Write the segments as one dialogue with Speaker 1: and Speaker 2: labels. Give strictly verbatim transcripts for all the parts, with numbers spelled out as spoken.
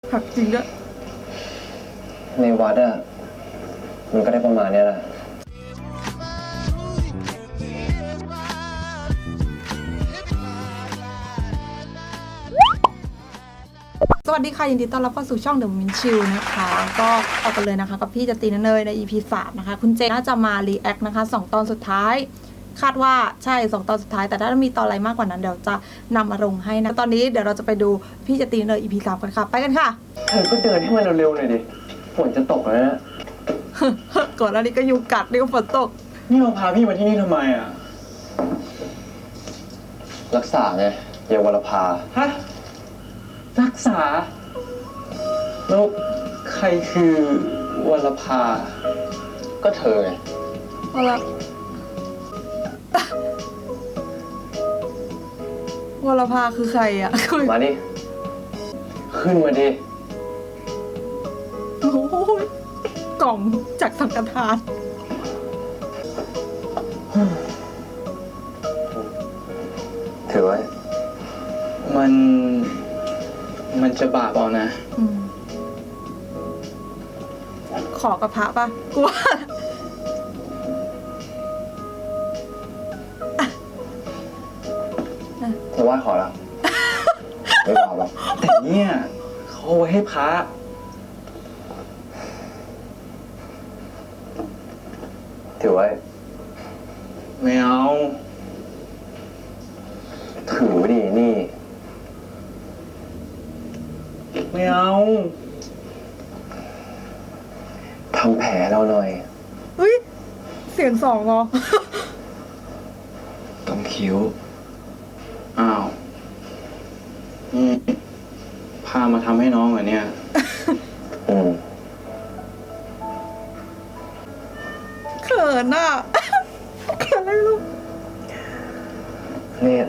Speaker 1: ผักจริงด้วย
Speaker 2: ในวัดอะมันก็ได้ประมาณนี้แหละ
Speaker 1: สวัสดีค่ะยินดีต้อนรับเข้าสู่ช่อง The Min Chill นะคะก็ออกกันเลยนะคะกับพี่จตีนเนยใน อี พี สามนะคะคุณเจน่าจะมารีแอคนะคะสองตอนสุดท้ายคาดว่าใช่สองตอนสุดท้ายแต่ถ้ามีตอนอะไรมากกว่านั้นเดี๋ยวจะนำมาลงให้นะตอนนี้เดี๋ยวเราจะไปดูพี่จตีนเนย อี พี สามกันค่ะไปกันค่ะ
Speaker 2: เธอก็เดินให้มันเร็วๆหน่อยดิฝนจะตกแล้วนะ
Speaker 1: ก่อนหน้านี้ก็ยุงกัดนี่ก็ฝนตก
Speaker 3: นี่เราพาพี่มาที่นี่ทำไมอ่ะ
Speaker 2: รักษาไงเยาวรพา
Speaker 3: ฮะรักษาแล้วใครคือวรภา
Speaker 2: ก็เธอไง
Speaker 1: เอาละวรภาคือใครอ่ะ
Speaker 2: มาดิขึ้นมาดิ
Speaker 1: โอ้ยกล่องจากสังฆทาน
Speaker 2: ถือไว้
Speaker 3: มันมันจะบาปเอานะ
Speaker 1: ขอกับพระป่ะกลัว
Speaker 2: เธอว่าขอแล้วไม่บาปหรอก
Speaker 3: แต่เนี่ยเขาไว้ให้พระ
Speaker 2: ถือไว้
Speaker 3: ไม่เอา
Speaker 2: ถือดินี่
Speaker 3: ไม่เอา
Speaker 2: ทำแผลเราหน่อย
Speaker 1: เฮ้ยเสียงสองเหรอ
Speaker 2: ตรงคิ้ว
Speaker 3: อ้าวนี่พามาทำให้น้องเหรอเนี่ย
Speaker 2: อืม
Speaker 1: เขินอ่ะเขินอะไรลูก
Speaker 2: เนี่ย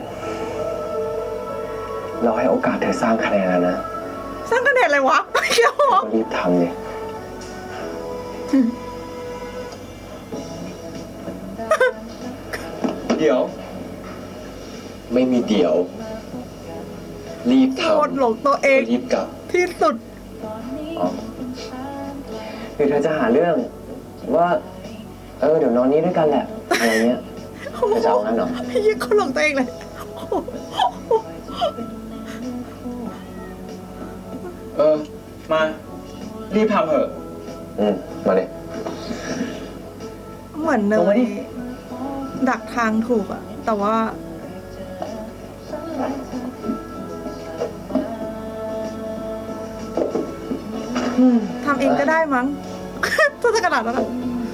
Speaker 2: เราให้โอกาสเธอสร้างคะแนนแล้วนะ
Speaker 1: สร้างคะแนนอะไรวะไม่เกี่ยว
Speaker 2: รีบทำเลย
Speaker 3: เดี๋ยว
Speaker 2: ไม่มีเดี๋ยวรีบทำ
Speaker 1: โคตรหลงตัวเอง
Speaker 2: รีบกลับ
Speaker 1: ที่สุด
Speaker 2: อ๋อคือเธอจะหาเรื่องว่าเออเดี๋ยวนอนนี้ด้วยกันแหละอะไรเงี้ยจะจะเอางั้นเหรอ
Speaker 1: พี่ยิ่งเขาหลงตัวเองเลย
Speaker 3: เออมารีบทำเถอะ
Speaker 2: อืมมาเลย
Speaker 1: เหมือนเนยดักทางถูกอะแต่ว่าทำเองก็ได้มั้งถ้าจะขนาดนั้นอะ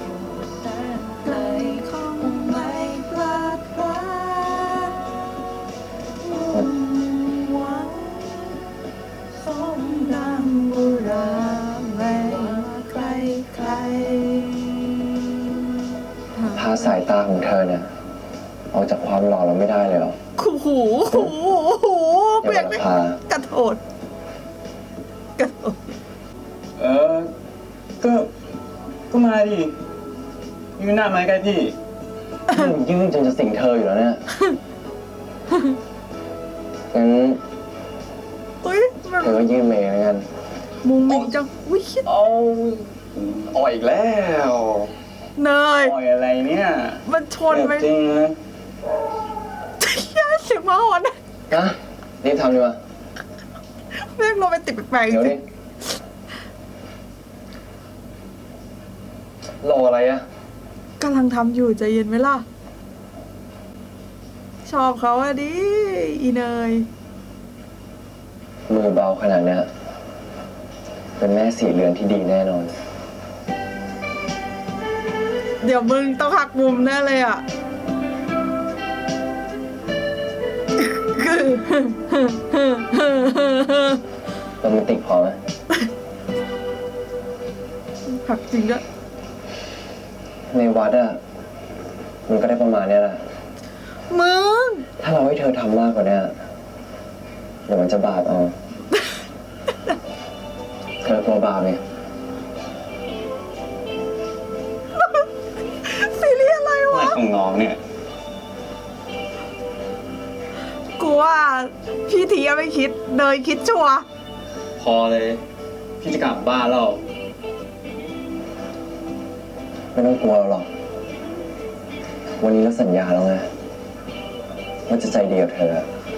Speaker 2: พาสายตาของเธอเนี่ยออกจากความหล่อเราไม่ได้เลยหรอ
Speaker 1: ขู่หูหูหูเปลี่ยนไปกระโดดกระโดด
Speaker 3: เออก็ก็มาดิยืนหน้าไม้ใกล้พี่
Speaker 2: ยืนจนจะสิงเธออยู่แล้วเนี่ยงั้นเธอก็ยืนเมย์แล้วกัน
Speaker 1: มุงมิงจังวิคิด
Speaker 3: เอาอ่อยอีกแล้ว
Speaker 1: เนย
Speaker 3: อ่อยอะไรเนี่ย
Speaker 1: มันชนไป
Speaker 3: จริงเลย
Speaker 1: ย่าเสียงมาหอนนะ
Speaker 2: รีบทำดีกว่า
Speaker 1: แม่งโรแมนติกแปลกๆจริง
Speaker 2: รออะไรอะ
Speaker 1: กำลังทำอยู่ใจเย็นไหมล่ะชอบเขาอะดิอีเนย
Speaker 2: มือเบาขนาดนี้เป็นแม่สีเรือนที่ดีแน่นอน
Speaker 1: เดี๋ยวมึงต้องหักมุมแน่เลยอ่ะคือ
Speaker 2: โรแมนติกพอไหม
Speaker 1: หักจริงด้วย
Speaker 2: ในวัดอะมันก็ได้ประมาณนี้แหละ
Speaker 1: มึง
Speaker 2: ถ้าเราให้เธอทำมากกว่านี้เดี๋ยวมันจะบาปเอาเธอกลัวบาปไหม
Speaker 1: ซีรีส์อะไรวะ
Speaker 3: ของน้องเนี่ย
Speaker 1: กูว่าพี่ทีไม่คิดเนยคิดชัว
Speaker 3: พอเลยพี่จะกลับบ้านแล้ว
Speaker 2: ไม่ต้องกลัวหรอก วันนี้เราสัญญาแล้วไงว่าจะใจดีกับเธอ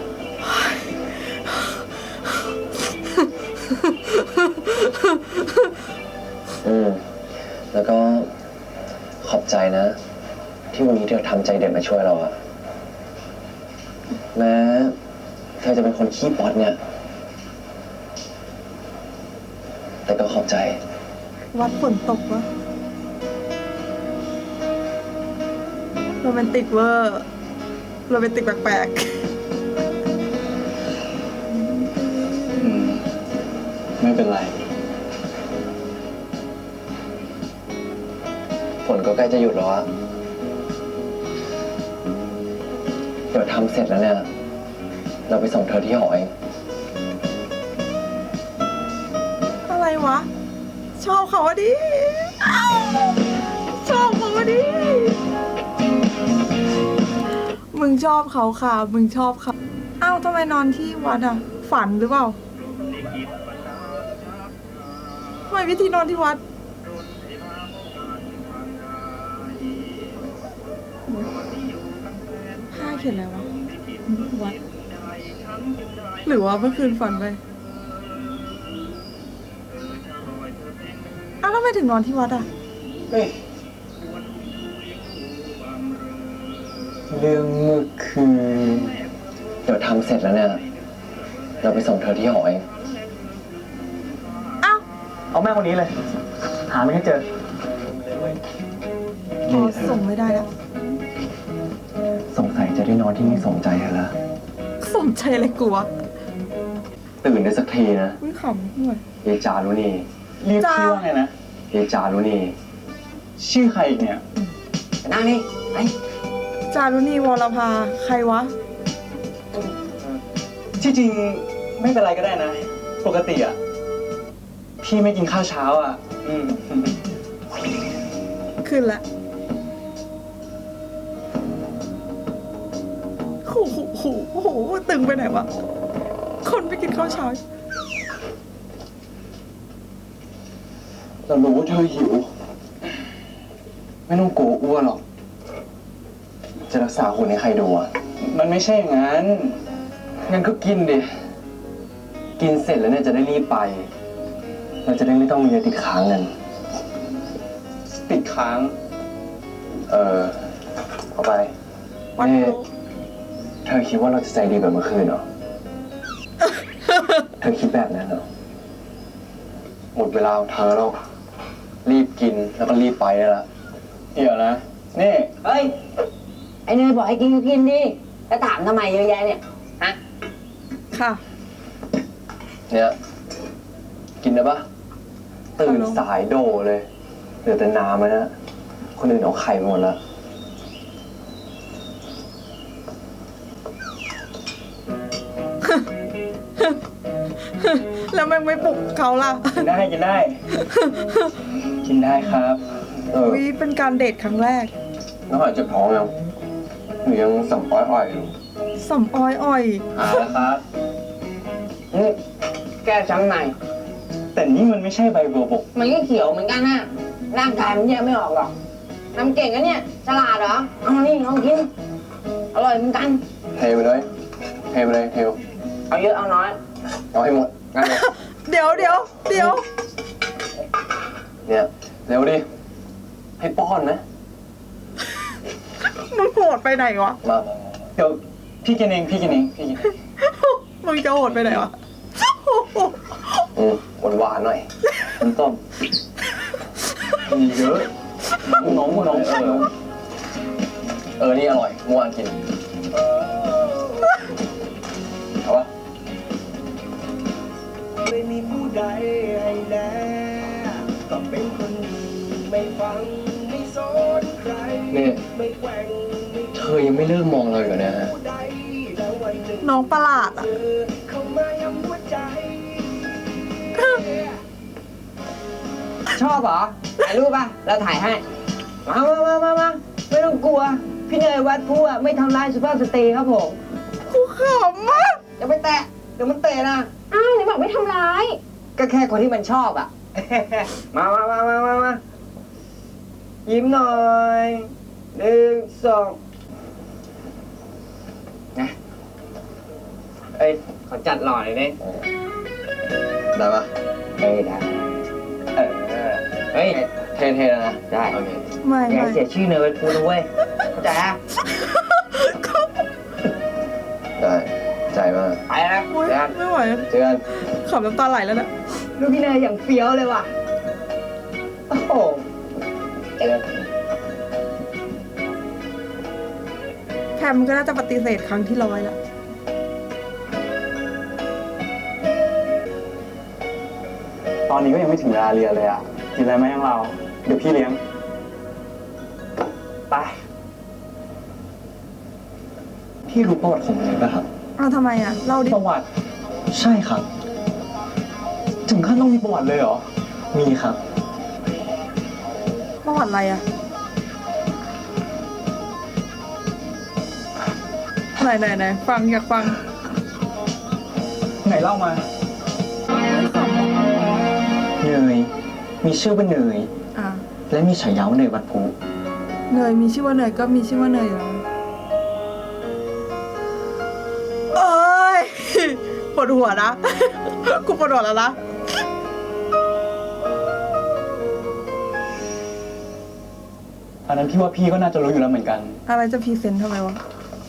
Speaker 2: อืม แล้วก็ขอบใจนะ ที่วันนี้เธอทำใจเด็ดมาช่วยเราอะแม้เธอจะเป็นคนขี้ป๊อตเนี่ย แต่ก็ขอบใจ
Speaker 1: วัดฝนตกวะโรแมนติกเวอร์โรแมนติกแปลก
Speaker 3: อืม ไม่เป็นไร
Speaker 2: ฝนก็ใกล้จะหยุดแล้วอะเดี๋ยวทำเสร็จแล้วเนี่ย เราไปส่งเธอที่หอเอง
Speaker 1: ๆอะไรวะ ชอบเขาอะดิอ้าวชอบเขาอะดิ มึงชอบเขาค่ะ มึงชอบเขาอ้าวทำไมนอนที่วัดอ่ะ ฝันหรือเปล่าทำไมวิธีนอนที่วัด ผ้าเขียนอะไรวะ วัด หรือว่าเมื่อคืนฝันไปอ้าวแล้วทำไมถึงนอนที่วัดอ่ะ
Speaker 3: เฮ้ย
Speaker 2: เรื่องเมื่อคืนเดี๋ยวทำเสร็จแล้วเนี่ย เราไปส่งเธอที่หอเอง
Speaker 1: อ้าว
Speaker 3: เอาแม่คนนี้เลย หาไม่ให้เจอ
Speaker 1: พอส่งไม่ได้แล้ว
Speaker 2: สงสัยจะได้นอนที่นี่สมใจเธอแล้ว
Speaker 1: สมใจอะไรกูวะ
Speaker 2: ตื่นได้สักทีนะ
Speaker 1: อุ้ยขำด้วย
Speaker 2: เยายจารุณี
Speaker 3: เรียก
Speaker 1: จ้า
Speaker 3: ชื่อว่าไงนะ
Speaker 2: เยายจารุณี
Speaker 3: ชื่อใครอีกเนี่ย
Speaker 2: นั่งนี่ไอ
Speaker 1: จารุณีวรภา ใครวะ
Speaker 3: ที่จริงไม่เป็นไรก็ได้นะ ปกติอ่ะ พี่ไม่กินข้าวเช้าอ่ะ อืม
Speaker 1: ขึ้นละโอ้โหโอ้โหโอ้โห ตึงไปไหนวะ คนไปกินข้าวเช้า
Speaker 2: เรารู้ว่าเธอหิว ไม่ต้องกลัวอ้วนหรอก จะรักษาหุ่นให้ใครดูอ่ะ
Speaker 3: มันไม่ใช่อย่างนั้น
Speaker 2: งั้นก็กินดิ กินเสร็จแล้วเนี่ยจะได้รีบไป เราจะได้ไม่ต้องมีอะไรติดค้างกัน
Speaker 3: ติดค้าง
Speaker 2: เออ เอาไป
Speaker 1: วัด
Speaker 2: นี่
Speaker 1: รู้
Speaker 2: เธอคิดว่าเราจะใจดีแบบเมื่อคืนเหรอ เธอคิดแบบนั้นเหรอ หมดเวลาของเธอแล้ว รีบกินแล้วก็รีบไปได้ละ
Speaker 3: เดี๋ยวนะ นี่
Speaker 4: เฮ้ย ไอ้เนยบอกให้กินก็กินดิแล้วถามทำไมเยอะแยะเนี่ย ฮะ
Speaker 1: ค่ะ
Speaker 2: เนี่ย กินได้ปะตื่นสายโดเลย เหลือแต่น้ำแล้วนะ คนอื่นเอาไข่ไปหมดแล้ว
Speaker 1: แล้วแม่งไม่ปลุกเขาล่ะ
Speaker 3: กินได้กินได้ กินได้ครับ
Speaker 2: เออ
Speaker 1: วิเป็นการเดทครั้งแรก
Speaker 2: น้องหอยเจ็บท้องยังหนูยังสัมปอยอ่อยอยู่
Speaker 1: สำออยอ่อย
Speaker 3: หาแล้วครับ
Speaker 4: นี่แก้ช้ำใน
Speaker 3: แต่นี่มันไม่ใช่ใบบัวบก
Speaker 4: มันก็เขียวเหมือนกันนะร่างกายมันแยกไม่ออกหรอกทำเก่งนะเนี่ย ฉลาดเหรอ เอานี่ลองกิน อร่อยเหมือนกัน
Speaker 2: เทไปเลย เทไปเลยเทว
Speaker 4: เอาเยอะเอาน้อย
Speaker 2: เอาให้หมดงั้นเลย
Speaker 1: เดี๋ยวเดี๋ยวเดี๋ยว
Speaker 2: เนี่ยเร็วดิ ให้ป้อนนะ
Speaker 1: มึงโหดไปไหนวะ
Speaker 2: มา
Speaker 3: เดี๋ยวพี่กินเองพี่กินเองพี่กินเอง
Speaker 1: มึงจะโหดไปไหนวะ
Speaker 2: อืมหวานหวานๆหน่อยน้ำต้ม
Speaker 3: มีเยอะน้องน้องน้อง
Speaker 2: เออ เออ นี่อร่อยเมื่อวานกิน เอาปะ
Speaker 5: ไม่มีผู้ใดให้แลก็เป็นคนดีไม่ฟังไม่สนใคร
Speaker 2: นี่
Speaker 5: ไม่แกว่งไม่
Speaker 2: เธอยังไม่เลิกมองเราอีกเหรอเนี่ยฮะ
Speaker 5: ผู้ใดแล้ววันหนึ่ง
Speaker 1: น้องประหลาดอ่ะ
Speaker 5: เธอเข้ามาย้ำหัวใจ
Speaker 4: ชอบเหรอ ถ่ายรูปป่ะ เราถ่ายให้ มามามามามาไม่ต้องกลัว พี่เนยวัดผู้อะไม่ทำร้ายสุภาพสตรีครับผม
Speaker 1: กูขำมาก
Speaker 4: อย่าไปแตะ เดี๋ยวมันเตะนะ
Speaker 6: อ้าวไหนบอกไม่ทำร้าย
Speaker 4: แก็แค่คนที่มันชอบอ่ะ มามามามามามายิ้มหน่อยหนึ่งสองนะเอ้ยขอจัดหล่อหน่อยดิ
Speaker 2: ได้ปะ
Speaker 4: เอ้ยได้เออเฮ้ย
Speaker 2: เท่ๆแล้วนะ
Speaker 4: ได้
Speaker 2: โอเค
Speaker 1: ไม่
Speaker 4: อย่า
Speaker 1: ไม่
Speaker 4: ให้เสียชื่อเนยพูดนะเว้ยเข้าใจอะ
Speaker 2: ได้ใจมาก
Speaker 4: ไปแล้วนะ
Speaker 1: โอ๊ย
Speaker 4: เดี๋ยวกัน
Speaker 1: ไม่ไหว
Speaker 2: เจอกัน
Speaker 1: ขำน้ำตาไหลแล้วนะ
Speaker 4: ลูกพี่เนยอย่างเฟี้ยวเลยว่ะ โอ้โหเจอกัน
Speaker 1: แพมก็น่าจะปฏิเสธครั้งที่ร้อยแล้ว
Speaker 3: ตอนนี้ก็ยังไม่ถึงเวลาเรียนเลยอ่ะ กินอะไรไหมยังเรา เดี๋ยวพี่เลี้ยง ไป
Speaker 2: พี่รู้ประวัติของมันเลยป่ะครับ
Speaker 1: อ้าวทำไมอ่ะ เล่าดิ
Speaker 3: ประวัติ
Speaker 2: ใช่ครับ
Speaker 3: ถึงขั้นต้องมีประวัติเลยเหรอ
Speaker 2: มีครับ
Speaker 1: ประวัติอะไรอ่ะ ไหนไหนไหนฟังอยากฟัง
Speaker 3: ไหนเล่ามา
Speaker 2: เนย มีชื่อว่าเนย
Speaker 1: อ่ะ
Speaker 2: และมีฉายาว่าเนยวัดพุ
Speaker 1: เนยมีชื่อว่าเนยก็มีชื่อว่าเนยแล้วเอ้ย ปวดหัวนะ กูปวดหัวแล้วนะ
Speaker 3: อันนั้นพี่ว่าพี่ก็น่าจะรู้อยู่แล้วเหมือนกัน
Speaker 1: อะไรจะพรีเซนต์ทำไมวะ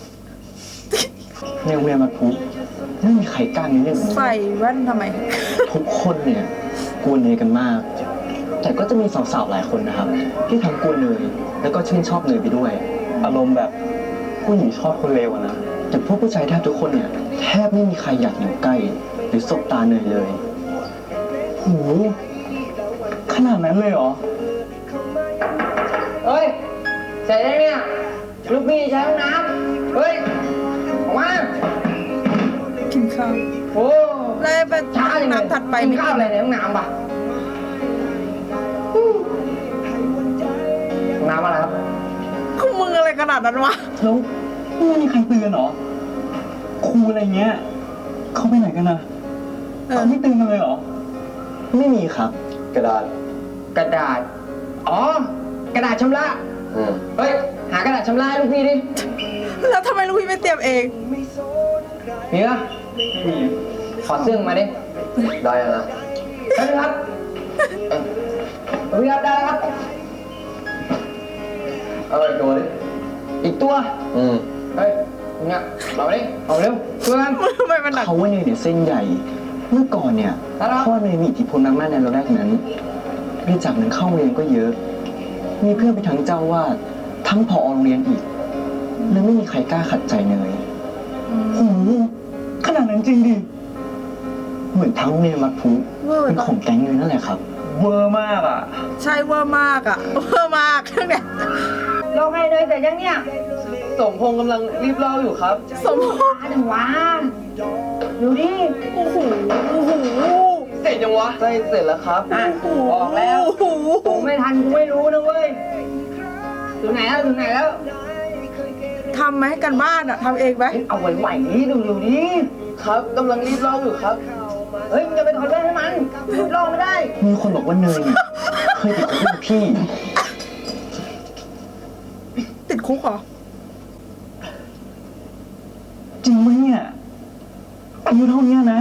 Speaker 2: ในโรงเรียนวัดพุไม่มีใครกล้ามีเรื่องแบบนี้
Speaker 1: ใส่แว่นทำไม
Speaker 2: ทุกคนเนี่ยกลัวเนยกันมาก แต่ก็จะมีสาวๆหลายคนนะครับ ที่ทั้งกลัวเนยแล้วก็ชื่นชอบเนยไปด้วย
Speaker 3: อารมณ์แบบผู้หญิงชอบคนเลวอะนะ
Speaker 2: แต่พวกผู้ชายแทบทุกคนเนี่ยแทบไม่มีใครอยากอยู่ใกล้ หรือสบตาเนยเลย
Speaker 3: โห ขนาดนั้นเลยเหรอ
Speaker 4: เฮ้ยเสร็จแล้วเนี่ย ลูกพี่ใช้ห้องน้ำเฮ้ย ออกมา
Speaker 1: กินข้าว
Speaker 4: โอ้
Speaker 1: แล้วไป
Speaker 4: ช้าจังเลย
Speaker 1: น้ำถัดไปไม่
Speaker 4: กินข้าวอะไรในห้องน้ำปะห้องน้ำอะไรครับ
Speaker 1: กูมึงอะไรขนาดนั้นวะ
Speaker 3: แล้วไม่มีใครเตือนเหรอ ครูอะไรเงี้ย เขาไปไหนกันนะ
Speaker 1: เออ
Speaker 3: เขาไม่เตือนกันเลยเหรอ
Speaker 2: ไม่มีครับ กระดาษ
Speaker 4: กระดาษ อ๋อ กระดาษชำระ
Speaker 2: อืม
Speaker 4: เฮ้ย หากระดาษชำระให้ลูกพี่ดิ
Speaker 1: แล้วทำไมลูกพี่ไม่เตรียมเอง
Speaker 4: มีปะขอเสื้อมาดิ
Speaker 2: ได้แล้วนะ
Speaker 4: ได้ครับเอ้ยลูกพี่ครับได้แล้วครับ
Speaker 2: เอาอะไรตัวดิ
Speaker 4: อีกตัว
Speaker 2: อืม
Speaker 4: เฮ้ยเนี่ยเอามาดิเอาเร็วช่วยกัน
Speaker 1: ทำไมมันหนัก
Speaker 2: เขาว่าเนยเนี่ยเส้นใหญ่ เมื่อก่อนเนี่ย
Speaker 4: อะไรวะ
Speaker 2: พ่อเนยมีอิทธิพลมากๆในระแวกนั้นบริจาคเงินเข้าโรงเรียนก็เยอะ มีเพื่อนไปทั้งเจ้าวาดทั้งผอโรงเรียนอีกเลยไม่มีใครกล้าขัดใจเนย
Speaker 3: โอ้โห ขนาดนั้นจริงดิ
Speaker 2: เหมือนทั้งโรงเรียนวัดพุ
Speaker 1: เวอร์
Speaker 2: เป็น
Speaker 1: ปะ
Speaker 2: ของแก๊งเนยนั่นแหละครับ
Speaker 3: เวอร์มากอ่ะ
Speaker 1: ใช่เวอร์มากอ่ะ เวอร์มากทั้งเนี่ย
Speaker 4: ลงให้เลยแต่ยังเนี่ย
Speaker 3: สมพงษ์กำลังรีบเล่าอยู่ครับ
Speaker 1: สมพงษ์
Speaker 4: อาจังหวะดูดิ
Speaker 1: โอ้โหโอ้โห
Speaker 3: เสร็จยังวะใช่เสร็จแล้วครับ
Speaker 4: อ่ะออกแล้ว
Speaker 1: โอ้โห
Speaker 4: ผมไม่ทันกูไม่รู้นะเว้ย ถึงไหนแล้วถึงไหนแล้ว
Speaker 1: ทำไหมกันบ้านอ่ะทำเองไหม
Speaker 4: เอาไหวๆนี้ดูดูดิ
Speaker 3: ครับกำลังรีบเล่าอยู่ครับ
Speaker 4: เฮ้ยมึงจะไปถอดแว่นให้มันลองไม่ได้
Speaker 2: มีคนบอกว่าเนยเนี่ยเคยติดคุกกับพี่
Speaker 1: ติดคุกเหรอ
Speaker 3: จริงไหมเนี่ยอายุเท่านี้นะ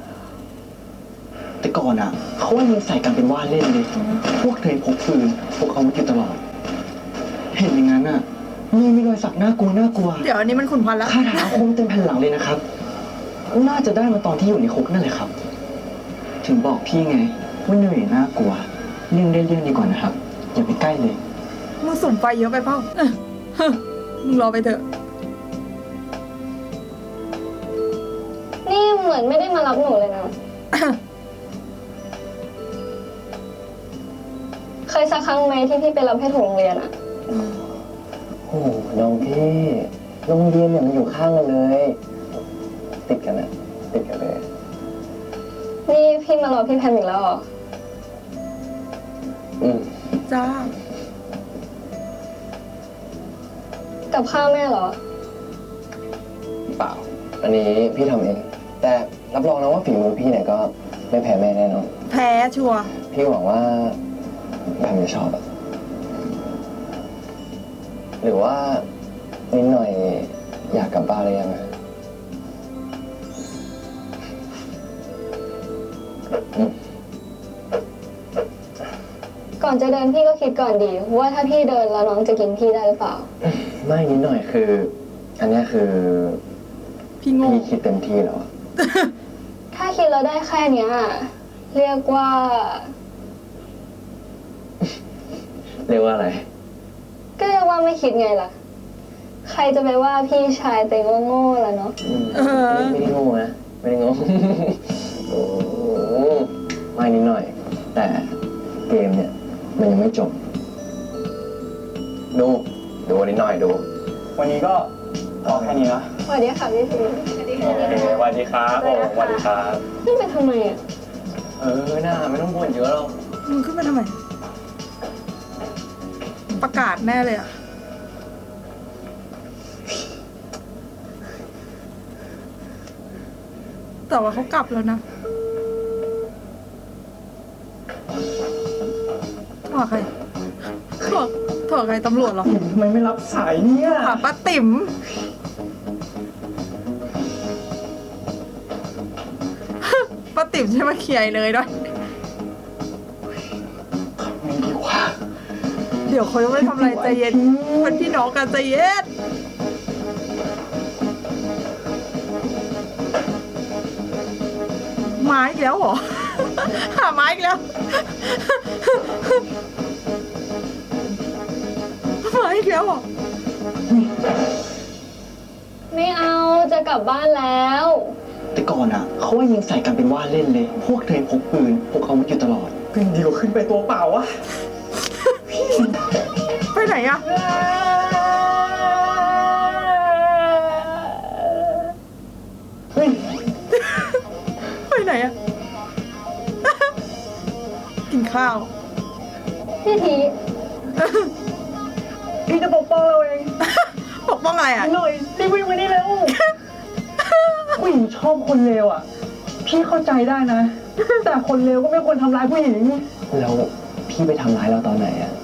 Speaker 2: แต่ก่อนอ่ะเขาว่าเนยใส่กันเป็นว่าเล่นเลย พวกเนยพกปืนพกอาวุธอยู่ตลอด เห็นอย่างนั้นอ่ะเนยมีรอยสักน่ากลัวน่ากลัว
Speaker 1: เดี๋ยวอันนี้มันขุนพันแล้ว
Speaker 2: คาถาอาคมเต็มแผ่นหลังเลยนะครับ น่าจะได้มาตอนที่อยู่ในคุกนั่นแหละครับ ถึงบอกพี่ไงว่าเนยน่ากลัวเลี่ยงได้เลี่ยงดีกว่านะครับ อย่าไปใกล้เลย
Speaker 1: มึงสุ่มไฟเยอะไปเปล่าเออเฮ้อมึงรอไปเถอะ
Speaker 6: นี่เหมือนไม่ได้มารับหนูเลยนะ เคยสักครั้งไหมที่พี่ไปรับให้ถึงโรงเรียนอะ
Speaker 2: โอ้น้องพี่โรงเรียนเนี่ยมันอยู่ข้างกันเลย ติดกันอะติดกันเลย
Speaker 6: นี่พี่มารอพี่แพมอีกแล้วเหรอ
Speaker 2: อืม
Speaker 1: จ้า
Speaker 6: กับข้าวแม่เหรอ
Speaker 2: เปล่า อันนี้พี่ทำเอง แต่รับรองนะว่าฝีมือพี่เนี่ยก็ไม่แพ้แม่แน่นอน
Speaker 1: ฝแพ้ชัวร์
Speaker 2: พี่หวังว่าแพมจะชอบอะหรือว่านิดหน่อยอยากกลับบ้านเลยยังไง
Speaker 6: ก่อนจะเดินพี่ก็คิดก่อนดี ว่าถ้าพี่เดินแล้วน้องจะกินพี่ได้หรือเปล่า
Speaker 2: ไม่นิดหน่อยคือ อันเนี้ยคือ
Speaker 1: พี่โง่
Speaker 2: พี่คิดเต็มที่แล้วอะ
Speaker 6: ถ้าคิดแล้วได้แค่เนี้ยเรียกว่า
Speaker 2: เรียกว่าอะไร
Speaker 6: ก็เรียกว่าไม่คิดไงล่ะ ใครจะไปว่าพี่ชายเต็งว่าโง่ล่ะเนาะ
Speaker 2: อืมไม่ได้โง่นะไม่ได้โง่ โอ้โหไม่นิดหน่อย แต่เกมเนี่ย มันยังไม่จบ ดู ดูนิดหน่อยดู
Speaker 3: วันนี้ก็พอแค่นี้นะ
Speaker 6: สวัสดีค่ะพี่พี
Speaker 3: โอเคสวัสดีครับผมสวัสดีครับ
Speaker 6: นี่ไปทำไมอ่ะ
Speaker 2: เออหน้าไม่ต้องบ่นเยอะหรอก
Speaker 1: มึงขึ้นมาทำไม ประกาศแน่เลยอะแต่ว่าเขากลับแล้วนะถอดใครถอดถอดใครตำรวจเหรอ
Speaker 3: ทำไมไม่รับสายเนี่ย
Speaker 1: ถอดป้าติ๋มป้าติ๋มใช่ไหมเคลียร์ไอ้เนยด้วย
Speaker 3: ไม่ดีกว่า
Speaker 1: เดี๋ยวเขาจะไม่ทำอะไรใจเย็นเป็นพี่น้องกันใจเย็นไม้อีกแล้วเหรอ หาไม้อีกแล้ว ไม้อีกแล้วเหรอ
Speaker 6: ไม่เอาจะกลับบ้านแล้ว
Speaker 2: แต่ก่อนอ่ะเขาว่ายิงใส่กันเป็นว่าเล่นเลย พวกเธอพกปืนพกอาวุธอยู่ตลอด
Speaker 3: ก็ยังดีกว่าขึ้นไปตัวเปล่าวะ
Speaker 1: ไปไหนอะเฮ้ย ไปไหนอะ กินข้าว
Speaker 6: พี่ที
Speaker 3: พี่จะปกป้องเราเอง
Speaker 1: ปกป้องอะไรอะ
Speaker 3: หน่อยรีบวิ่งมานี่เร็ว ผู้หญิงชอบคนเลวอ่ะ พี่เข้าใจได้นะ แต่คนเลวก็ไม่ควรทำร้ายผู้หญิง
Speaker 2: แล้วพี่ไปทำร้ายเราตอนไหนอ่ะ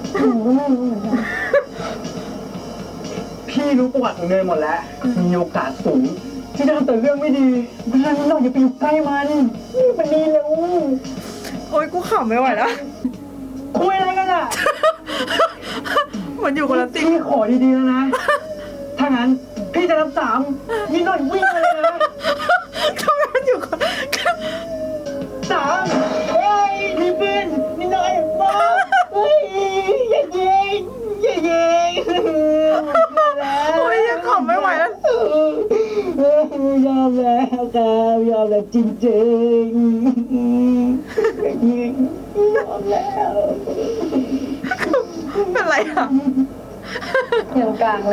Speaker 3: พี่รู้ประวัติของเนยหมดแล้ว มีโอกาสสูง ที่จะทำแต่เรื่องไม่ดีเพราะฉะนั้นเราอย่าไปอยู่ใกล้มันนี่มันดีเร็ว
Speaker 1: โอ๊ยกูขำไม่ไหวแล้ว
Speaker 3: คุยอะไรกันอ่ะ
Speaker 1: เหมือนอยู่คนละติ
Speaker 3: พี่ขอดีๆแล้วนะ ถ้างั้นพี่จะนับสามนิดหน่อยวิ่งมาเลยนะ
Speaker 1: ทำไมมันอยู่คน
Speaker 3: สามเฮ้ยมีปืนนิดหน่อยมาเฮ้ยอย่ายิงอย่ายิง
Speaker 1: โอ๊ยยังขำไม่ไหวแล้ว
Speaker 3: ยอมแล้วครับยอมแล้วจริงๆอย่ายิงยอมแล้ว
Speaker 1: เป็นไรอะ
Speaker 6: อย่างกลางเลย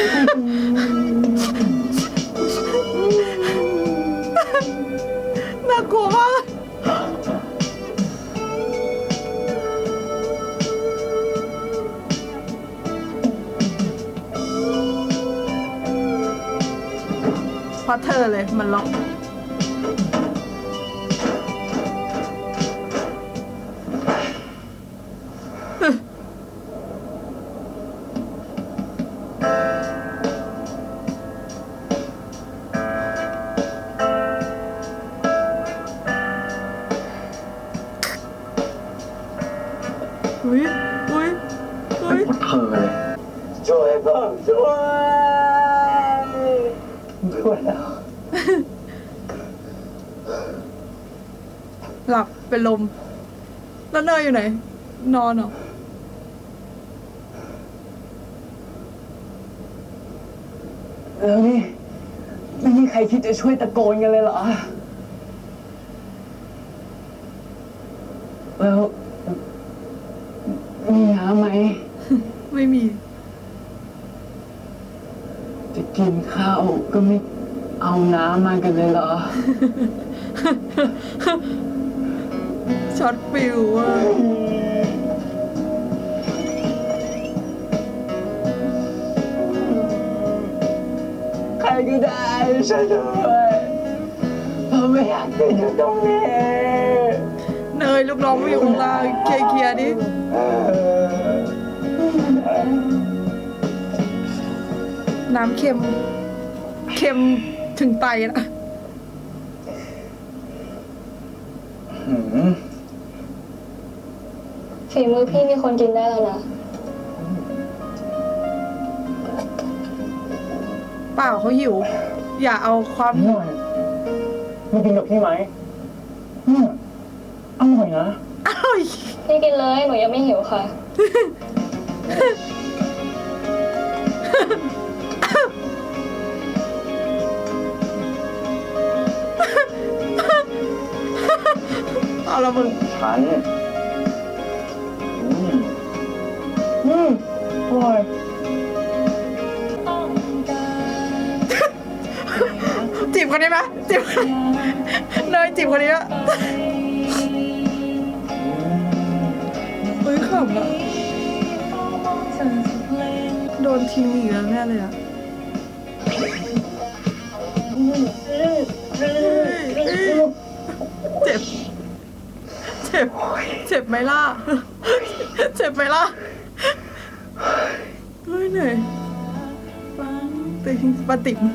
Speaker 1: น่ากลัวมากเพราะเธอเลยมันล็อกอุ้ยอุ้ยอุ้ย
Speaker 2: พวกเธอเลย
Speaker 3: ช่วยผมช่วยไม่ไหวแล้ว
Speaker 1: หลับเป็นลม แล้วเนยอยู่ไหน นอนเหรอ
Speaker 3: แล้วนี่ไม่มีใครคิดจะช่วยตะโกนกันเลยเหรอ แล้วมีน้ำไหม
Speaker 1: ไม่มี
Speaker 3: จะกินข้าวก็ไม่เอาน้ำมากันเลยเหรอ
Speaker 1: ช็อตฟิวอ่ะ
Speaker 3: ใครก็ได้ช่วยด้วยผมไม่อยากติดอยู่ตรงนี้
Speaker 1: เนยลูกน้องไม่อยู่ข้างล่างเคลียร์เคลียร์ดิน้ำเค็ม เค็มถึงไตนะ
Speaker 3: หืม
Speaker 6: ฝีมือพี่มีคนกินได้แล้วนะ
Speaker 1: เปล่าเขาหิว อย่าเอาความ
Speaker 3: อร่อยมึงกินกับพี่ไหมเนี่ยอร่อยนะ
Speaker 1: อร่อย
Speaker 6: พี่กินเลยหนูยังไม่หิวค่ะ
Speaker 1: เอาละมึง
Speaker 3: ฉันอืมอืมอร่อย
Speaker 1: จีบคนนี้ไหมจีบเนยจีบคนนี้อะเฮ้ยขำอะโดนทิ้งอีกแล้วแน่เลยอะเจ็บ เจ็บ เจ็บไหมล่ะ เจ็บไหมล่ะ เฮ้ยเหนื่อยติงปาติ๋ม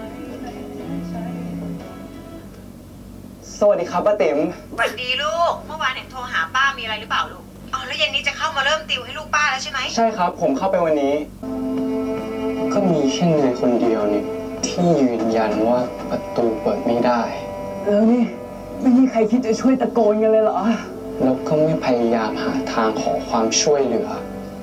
Speaker 3: สวัสดีครับป้าติ๋ม
Speaker 7: สวัสดีลูก เมื่อวานเห็นโทรหาป้ามีอะไรหรือเปล่าลูก อ๋อแล้วเย็นนี้จะเข้ามาเริ่มติวให้ลูกป้าแล้วใช่ไหม
Speaker 3: ใช่ครับ ผมเข้าไปวันนี้ ก็มีแค่เนยคนเดียวนี่ที่ยืนยันว่าประตูเปิดไม่ได้ แล้วนี่ไม่มีใครคิดจะช่วยตะโกนกันเลยเหรอ แล้วก็ไม่พยายามหาทางขอความช่วยเหลือ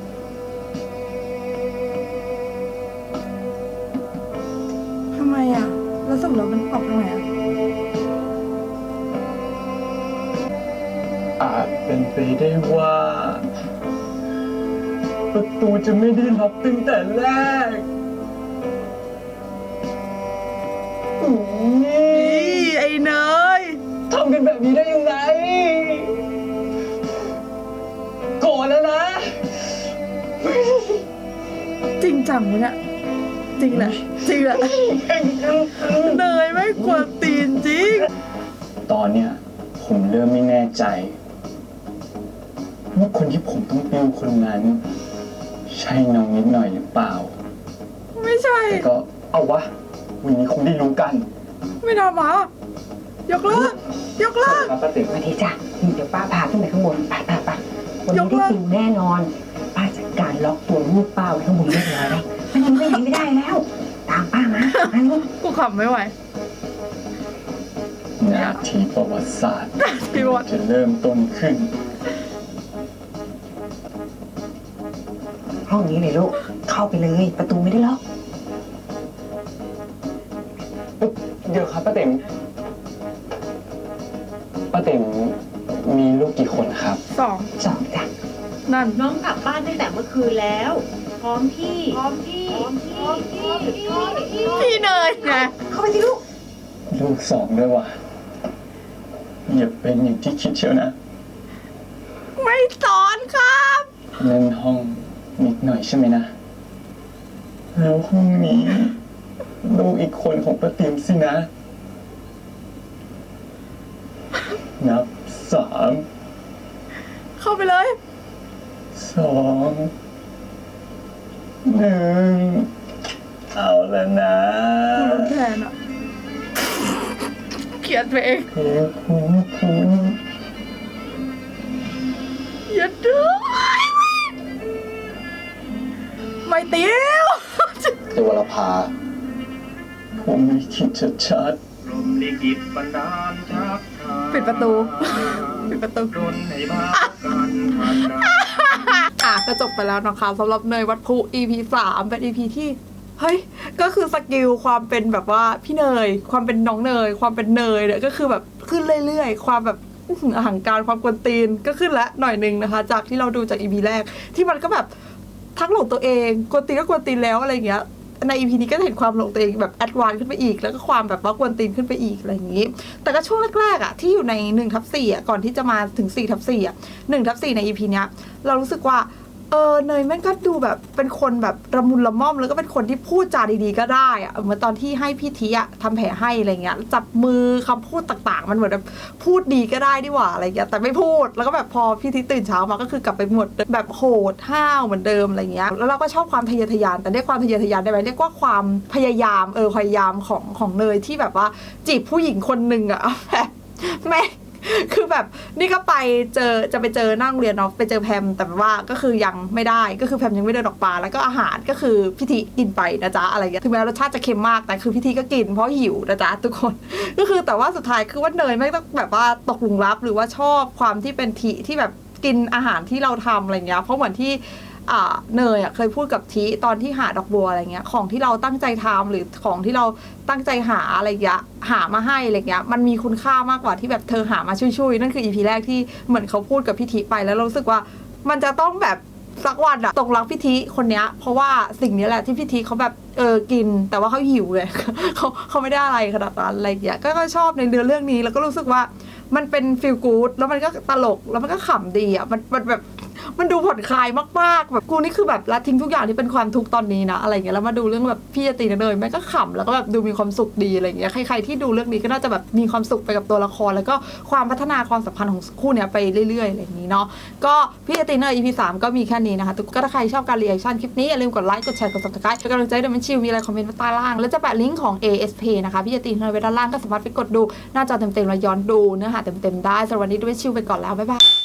Speaker 1: ทำไมอ่ะ แล้วสรุปแล้วมันออกทางไหนอ่ะ
Speaker 3: อาจเป็นไปได้ว่า ประตูจะไม่ได้ล็อกตั้งแต่แรกอุ๊ย
Speaker 1: นี่ไอ้เนย
Speaker 3: ทำกันแบบนี้ได้ยังไงโกรธแล้วนะ
Speaker 1: จริงจังวะเนี่ยจริงแหละจริงแหละเนยไม่กวนตีนจริง
Speaker 3: ตอนเนี้ยผมเริ่มไม่แน่ใจว่าคนที่ผมต้องติวคนนั้น ใช่น้องนิดหน่อยหรือเปล่า
Speaker 1: ไม่ใช่
Speaker 3: แต่ก็เอาวะวันนี้คงได้รู้กัน
Speaker 1: ไม่ทำหมายกเลิกยกเลิก
Speaker 3: ครับป้าติ๋ม
Speaker 4: สวัสดีจ้ะเดี๋ยวป้าพาขึ้นไปข้างบนไปไปไปวัน
Speaker 1: ย
Speaker 4: นี้
Speaker 1: ก
Speaker 4: ได้
Speaker 1: เลิก
Speaker 4: ติวแน่นอน ป้าจัดการล็อกตัวลูกป้าไว้ข้างบนเรียบร้อยแล้วมันยังไปไหนไม่ได้แล้ว ตามป้ามามาลูก
Speaker 1: กูขำไม่ไหว
Speaker 3: นาทีประวัติศาสตร์
Speaker 1: พี่บอล
Speaker 3: จะเริ่มต้นขึ้น
Speaker 4: ห้องนี้เลยลูก เข้าไปเลย ประตูไม่ได้ล็อก
Speaker 3: เดี๋ยวครับป้าติ๋มป้าติ๋มมีลูกกี่คนครับ
Speaker 1: สอง
Speaker 4: สองจ้ะ
Speaker 1: นั่น
Speaker 7: น้องกลับบ้านตั้งแต่เมื่อคืนแล้ว พร้อมพี่ พร้อมพี่ พร้อมพี่ พร้อมพี่
Speaker 1: พี่เนยไง
Speaker 4: เข้าไปสิลูก
Speaker 3: ลูกสองด้วยว่ะอย่าเป็นอย่างที่คิดเชียวนะ
Speaker 1: ไม่สอนครับ
Speaker 3: นั่นห้องนิดหน่อยใช่ไหมนะ แล้วห้องนี้ลูกอีกคนของป้าติ๋มสินะ นับสาม
Speaker 1: เข้าไปเลย
Speaker 3: สองหนึ่งเอาแล้วนะ
Speaker 1: รุนแทนอ่ะเขียนไปเอง
Speaker 3: เพลงคุ้นคุ้น
Speaker 1: อย่าดื้อไม่ติว
Speaker 2: เทวรภา
Speaker 3: ผมไม่คิดชัด
Speaker 5: ลมลิขิตบันดาลชักทาง
Speaker 1: ปิดประตู ปิดประตู
Speaker 5: ดนให้บ้ากันผ่านดา
Speaker 1: อ่ะก็จบไปแล้วนะคะสำหรับเนยวัดพุ อี พี สามเป็น อี พี ที่เฮ้ยก็คือสกิลความเป็นแบบว่าพี่เนยความเป็นน้องเนยความเป็นเนยเนี่ยก็คือแบบขึ้นเรื่อยๆความแบบอื้อหืออหังการความกวนตีนก็ขึ้นละหน่อยหนึงนะคะ จากที่เราดูจาก อี พี แรกที่มันก็แบบทั้งหลงตัวเองกวนตีนก็กวนตีนแล้วอะไรอย่างเงี้ยใน อี พี นี้ก็จะเห็นความหลงตัวเองแบบแอดวานซ์ขึ้นไปอีกแล้วก็ความแบบว่ากวนตีนขึ้นไปอีกอะไรอย่างงี้ แต่ก็ช่วงแรกๆอ่ะที่อยู่ในหนึ่งทับสี่อ่ะก่อนที่จะมาถึงสี่ทับสี่อ่ะหนึ่งทับสี่ใน อี พี เนี้ยเรารู้สึกว่าเออเนยแม่งก็ดูแบบเป็นคนแบบระมุนละม่อมแล้วก็เป็นคนที่พูดจาดีๆก็ได้อะเหมือนตอนที่ให้พี่ทีอะทำแผลให้อะไรเงี้ยจับมือคำพูดต่างๆมันเหมือนแบบพูดดีก็ได้ดีหว่าอะไรเงี้ยแต่ไม่พูดแล้วก็แบบพอพี่ทีตื่นเช้ามาก็คือกลับไปหมดแบบโหดห้าวเหมือนเดิมอะไรเงี้ยแล้วเราก็ชอบความทะเยอทะยานแต่เรียกความทะเยอทะยานได้ไหมเรียกว่าความพยายามเออพยายามของของเนยที่แบบว่าจีบผู้หญิงคนหนึ่งอะแบบแม่คือแบบนี่ก็ไปเจอจะไปเจอนั่งเรียนเนาะไปเจอแพมแต่ว่าก็คือยังไม่ได้ก็คือแพมยังไม่เดินออกมาแล้วก็อาหารก็คือพี่ทีกินไปนะจ๊ะอะไรเงี้ยถึงแม้รสชาติจะเค็มมากแต่คือพี่ทีก็กินเพราะหิวนะจ๊ะทุกคนก็คือแต่ว่าสุดท้ายคือว่าเนยไม่ต้องแบบว่าตกหลุมรักหรือว่าชอบความที่เป็นทีที่แบบกินอาหารที่เราทำอะไรเงี้ยเพราะเหมือนที่อ่าเนยอ่ะเคยพูดกับทีตอนที่หาดอกบัวอะไรเงี้ยของที่เราตั้งใจทำหรือของที่เราตั้งใจหาอะไรเงี้ยหามาให้อะไรเงี้ยมันมีคุณค่ามากกว่าที่แบบเธอหามาช่วยๆนั่นคืออีพีแรกที่เหมือนเขาพูดกับพี่ทีไปแล้วเรารู้สึกว่ามันจะต้องแบบสักวันอะตกรักพี่ทีคนเนี้ยเพราะว่าสิ่งนี้แหละที่พี่ทีเขาแบบเออกินแต่ว่าเขาหิวไง เขาเขาไม่ได้อะไรขนาดนั้นอะไรเงี้ยก็ชอบในเนื้อเรื่องนี้แล้วก็รู้สึกว่ามันเป็นฟีลกู๊ดแล้วมันก็ตลกแล้วมันก็ขำดีอะมันมันแบบมันดูผ่อนคลายมากๆแบบกูนี่คือแบบละทิ้งทุกอย่างที่เป็นความทุกข์ตอนนี้นะอะไรเงี้ยแล้วมาดูเรื่องแบบพี่จะตีกันเลยแม่ก็ขำแล้วก็แบบดูมีความสุขดีอะไรเงี้ยใครๆที่ดูเรื่องนี้ก็น่าจะแบบมีความสุขไปกับตัวละครแล้วก็ความพัฒนาความสัมพันธ์ของคู่เนี้ยไปเรื่อยๆอะไรอย่างนี้เนาะก็พี่จะตีเนอร์ อี พี สามก็มีแค่นี้นะคะทุกก็ถ้าใครชอบการรีแอคชั่นคลิปนี้อย่าลืมกดไลค์กดแชร์กด ซับสไครบ์ เป็นกำลังใจให้เดมันชิลมีอะไรคอมเมนต์ไว้ใต้ล่างแล้วจะแปะลิงก์ของ เอ เอส พี นะคะพี่จะตีเนอร์ไว้ด้านล่างก็สามารถไปกดดูหน้าจอเต็มๆแล้วย้อนดูเนื้อหาเต็มๆได้สำหรับวันนี้เดมันชิลไปก่อนแล้วบ๊ายบาย